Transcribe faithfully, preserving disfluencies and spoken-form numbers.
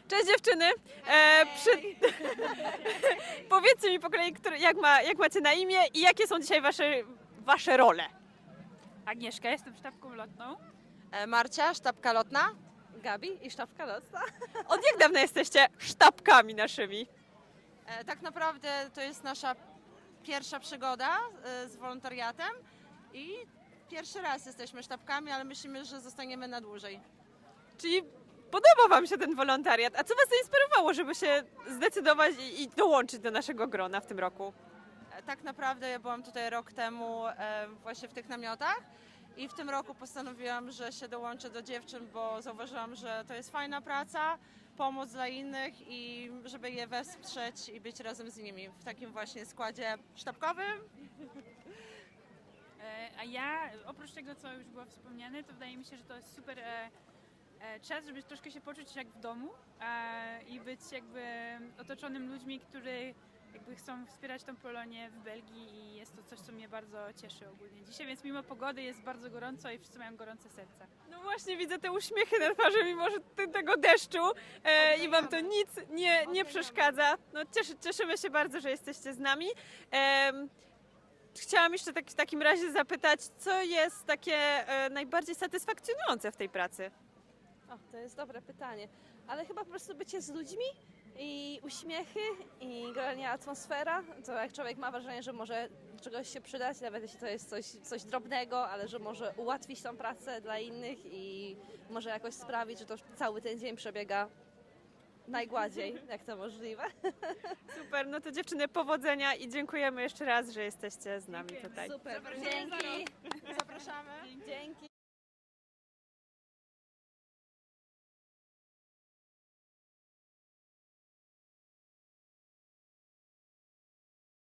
Cześć dziewczyny! E, przy... Powiedzcie mi po kolei, który, jak, ma, jak macie na imię i jakie są dzisiaj wasze, wasze role? Agnieszka, jestem sztabką lotną. E, Marcia, sztabka lotna. Gabi i sztabka lotna. Od jak dawna jesteście sztabkami naszymi? E, tak naprawdę to jest nasza pierwsza przygoda e, z wolontariatem i pierwszy raz jesteśmy sztabkami, ale myślimy, że zostaniemy na dłużej. Czyli podoba wam się ten wolontariat. A co was zainspirowało, żeby się zdecydować i, i dołączyć do naszego grona w tym roku? E, tak naprawdę ja byłam tutaj rok temu e, właśnie w tych namiotach i w tym roku postanowiłam, że się dołączę do dziewczyn, bo zauważyłam, że to jest fajna praca, pomoc dla innych i żeby je wesprzeć i być razem z nimi w takim właśnie składzie sztabkowym. E, A ja, oprócz tego, co już było wspomniane, to wydaje mi się, że to jest super e, e, czas, żeby troszkę się poczuć jak w domu e, i być jakby otoczonym ludźmi, którzy jakby chcą wspierać tą Polonię w Belgii i jest to coś, co mnie bardzo cieszy ogólnie dzisiaj, więc mimo pogody jest bardzo gorąco i wszyscy mają gorące serca. No właśnie widzę te uśmiechy na twarzy, mimo że ty- tego deszczu e, i wam to nic nie, nie przeszkadza. No cieszy, cieszymy się bardzo, że jesteście z nami. Em, Chciałam jeszcze tak, w takim razie zapytać, co jest takie e, najbardziej satysfakcjonujące w tej pracy? O, to jest dobre pytanie. Ale chyba po prostu bycie z ludźmi i uśmiechy i generalnie atmosfera, to jak człowiek ma wrażenie, że może do czegoś się przydać, nawet jeśli to jest coś, coś drobnego, ale że może ułatwić tą pracę dla innych i może jakoś sprawić, że to cały ten dzień przebiega najgładziej, jak to możliwe. Super, no to dziewczyny powodzenia i dziękujemy jeszcze raz, że jesteście z nami tutaj. Super, Zapraszamy za dzięki. Zapraszamy. Dzięki.